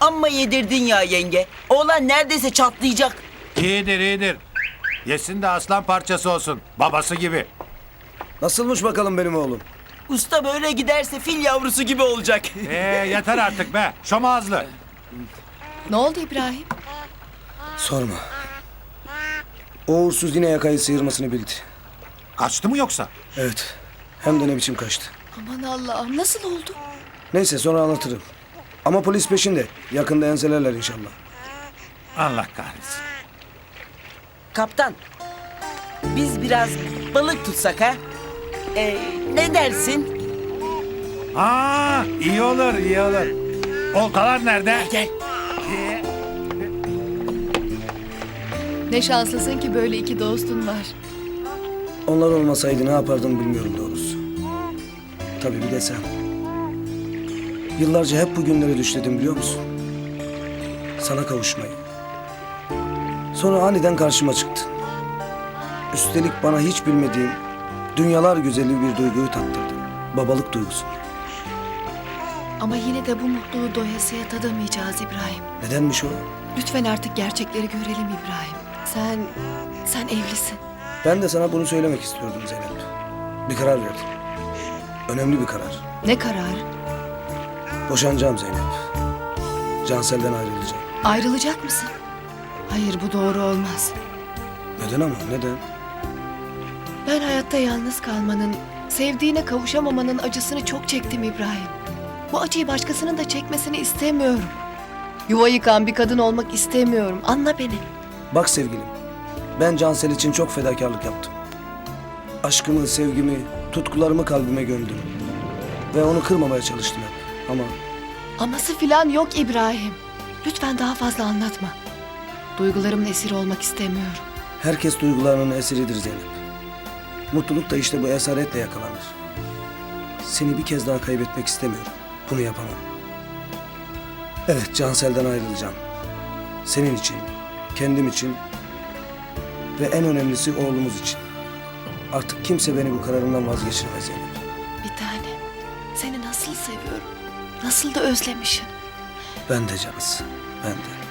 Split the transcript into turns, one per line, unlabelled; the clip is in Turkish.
Amma yedirdin ya yenge. Oğlan neredeyse çatlayacak.
İyidir iyidir. Yesin de aslan parçası olsun. Babası gibi.
Nasılmış bakalım benim oğlum?
Usta böyle giderse fil yavrusu gibi olacak.
Yeter artık be. Şom ağızlı.
Ne oldu İbrahim?
Sorma. O uğursuz yine yakayı sıyırmasını bildi.
Kaçtı mı yoksa?
Evet. Hem de ne biçim kaçtı.
Aman Allah'ım, nasıl oldu?
Neyse sonra anlatırım. Ama polis peşinde. Yakında enselerler inşallah.
Allah kahretsin.
Kaptan, biz biraz balık tutsak ha? Ne dersin?
İyi olur iyi olur. Oltalar nerede?
Gel.
Ne şanslısın ki böyle iki dostun var.
Onlar olmasaydı ne yapardım bilmiyorum doğrusu. Tabii bir de sen. Yıllarca hep bu günleri düşledim biliyor musun? Sana kavuşmayı. Sonra aniden karşıma çıktın. Üstelik bana hiç bilmediğim dünyalar güzeli bir duyguyu tattırdın. Babalık duygusu.
Ama yine de bu mutluluğu doyasıya tadamayacağız İbrahim.
Nedenmiş o?
Lütfen artık gerçekleri görelim İbrahim. Sen evlisin.
Ben de sana bunu söylemek istiyordum Zeynep. Bir karar verdim. Önemli bir karar.
Ne kararı?
Boşanacağım Zeynep. Cansel'den ayrılacağım.
Ayrılacak mısın? Hayır, bu doğru olmaz.
Neden ama neden?
Ben hayatta yalnız kalmanın, sevdiğine kavuşamamanın acısını çok çektim İbrahim. Bu acıyı başkasının da çekmesini istemiyorum. Yuva yıkan bir kadın olmak istemiyorum. Anla beni.
Bak sevgilim, ben Cansel için çok fedakarlık yaptım. Aşkımı, sevgimi, tutkularımı kalbime gömdüm. Ve onu kırmamaya çalıştım hep. Ama
Aması filan yok İbrahim. Lütfen daha fazla anlatma. Duygularımın esiri olmak istemiyorum.
herkes duygularının esiridir Zeynep. Mutluluk da işte bu esaretle yakalanır. Seni bir kez daha kaybetmek istemiyorum. Bunu yapamam. Evet, Cansel'den ayrılacağım. Senin için, kendim için ve en önemlisi oğlumuz için. Artık kimse beni bu kararımdan vazgeçirmez Zeynep.
Bir tane. Seni nasıl seviyorum. Nasıl da özlemişim.
Ben de Canız, ben de.